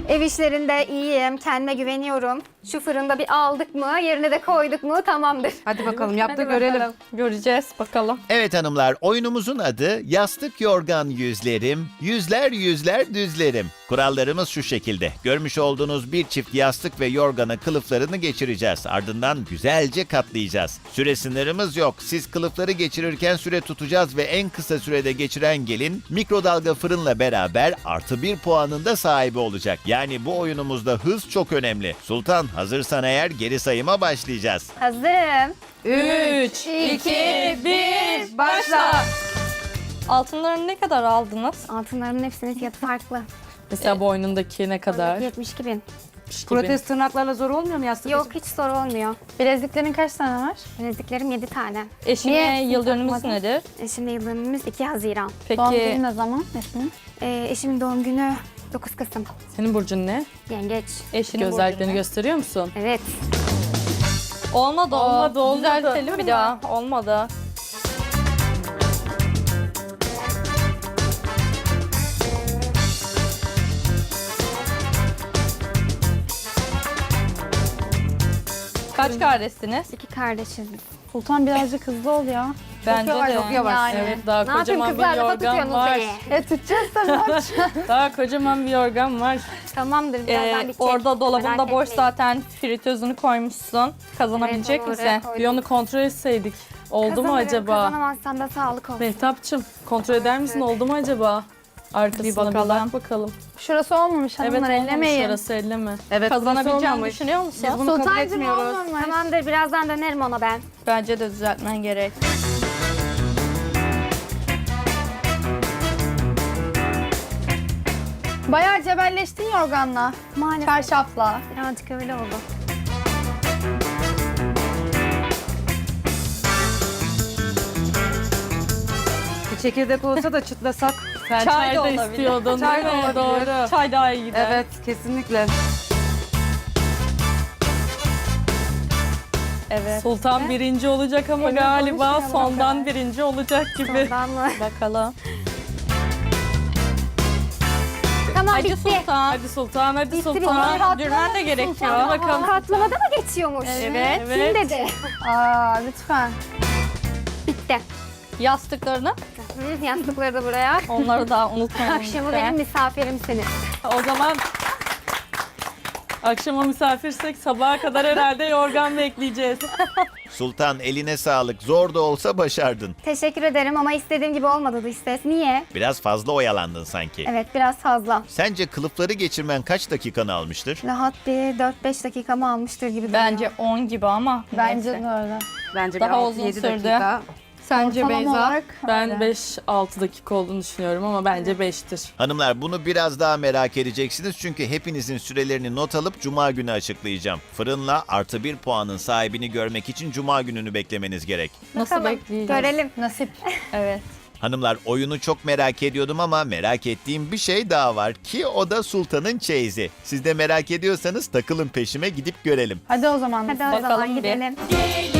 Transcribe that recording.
Ev işlerinde iyiyim, kendime güveniyorum. Şu fırında bir aldık mı, yerine de koyduk mu tamamdır. Hadi bakalım yap da Hadi görelim. bakalım. Göreceğiz bakalım. Evet hanımlar, oyunumuzun adı Yastık Yorgan Yüzlerim, Yüzler Yüzler Düzlerim. Kurallarımız şu şekilde. Görmüş olduğunuz bir çift yastık ve yorgana kılıflarını geçireceğiz. Ardından güzelce katlayacağız. Süre sınırımız yok. Siz kılıfları geçirirken süre tutacağız ve en kısa sürede geçiren gelin mikrodalga fırınla beraber +1 puanın da sahibi olacak. Yani bu oyunumuzda hız çok önemli. Sultan, hazırsan eğer geri sayıma başlayacağız. Hazırım. 3, 2, 1, başla. Altınları ne kadar aldınız? Altınlarımın hepsinin fiyatı farklı. Mesela boynundaki ne kadar? 72 bin. Protez tırnaklarla zor olmuyor mu yastık? Yok, hiç zor olmuyor. Bileziklerin kaç tane var? Bileziklerim 7 tane. Eşine yıl dönümümüz takmadın? nedir? Eşimle yıl dönümümüz 2 Haziran. Doğum günü Peki ne zaman? Eşinin? Eşimin doğum günü 9 Kasım. senin burcun ne? Yengeç. Eşinin özelliklerini gösteriyor musun? Evet. Olmadı. Olmadı. Düzeltelim bir daha. Olmadı. Kaç kardeşsiniz? 2 kardeşiz. Sultan birazcık hızlı ol ya. Bence yavaş, de. çok yavaş. Yani. Evet, daha Ne yapayım kocaman bir kızlar, lafa yorgan tutuyorsunuz var. beni. Tutacağız tabii. Daha kocaman bir yorgan var. Tamamdır, birazdan bir Orada dolabında Merak boş etmeyin. zaten fritözünü koymuşsun. Kazanabilecek Evet, misin? oraya koydum. Bir onu kontrol etseydik. Oldu mu Kazanırım, acaba? Kazanamazsam da sağlık olsun. Mehtapçım kontrol eder misin? Oldu mu acaba? Arkasına bir bakalım. bak bakalım. Şurası olmamış hanımlar, Evet, olmamış, ellemeyin. orası elleme. Evet, Kazanabileceğini olmamış. düşünüyor musun? Biz bunu kabul Sultancığım etmiyoruz. olmamış. Tamamdır, birazdan dönerim ona ben. Bence de düzeltmen gerek. Bayağı cebelleştin yorganla. Maalesef Çarşafla. birazcık öyle oldu. Bir çekirdek olsa da çıtlasak. Sen Çay çay da da olabilir. istiyordun Çay değil da mi? olabilir. Doğru. Çay daha iyi gider. Evet, kesinlikle. Evet. Sultan birinci olacak ama galiba konuşmayalım sondan o kadar. birinci olacak gibi. Ondan mı? Bakalım. Tamam, Hadi bitti. Sultan. Hadi Sultan, hadi Bitti, Sultan. bitti. Dürmen de gerekiyor. Hadi bakalım. Katlamada mı geçiyormuş? Evet. Kim dedi? Aa lütfen. Bitti. Yastıklarını, Hı, yastıkları da buraya. onları da unutmayalım. Akşamı lütfen. benim misafirimsiniz. O zaman akşama misafirsek sabaha kadar herhalde yorgan bekleyeceğiz. Sultan, eline sağlık. Zor da olsa başardın. Teşekkür ederim ama istediğim gibi olmadı dış ses. Niye? Biraz fazla oyalandın sanki. Evet, biraz fazla. Sence kılıfları geçirmen kaç dakikanı almıştır? Rahat bir 4-5 dakikamı almıştır gibi duruyor. Bence 10 gibi ama Bence neyse. de öyle. Bence Daha bir uzun 6-7 sürdü. dakika. Sence Ortalama Beyza? olarak Ben öyle. 5-6 dakika olduğunu düşünüyorum ama bence 5'tir. Hanımlar, bunu biraz daha merak edeceksiniz çünkü hepinizin sürelerini not alıp Cuma günü açıklayacağım. Fırınla +1 puanın sahibini görmek için Cuma gününü beklemeniz gerek. Nasıl Bakalım, bekleyeceğiz? görelim. Nasip. Evet. Hanımlar, oyunu çok merak ediyordum ama merak ettiğim bir şey daha var ki o da Sultan'ın çeyizi. Siz de merak ediyorsanız takılın peşime, gidip görelim. Hadi o zaman. Hadi o Bakalım zaman bir. gidelim.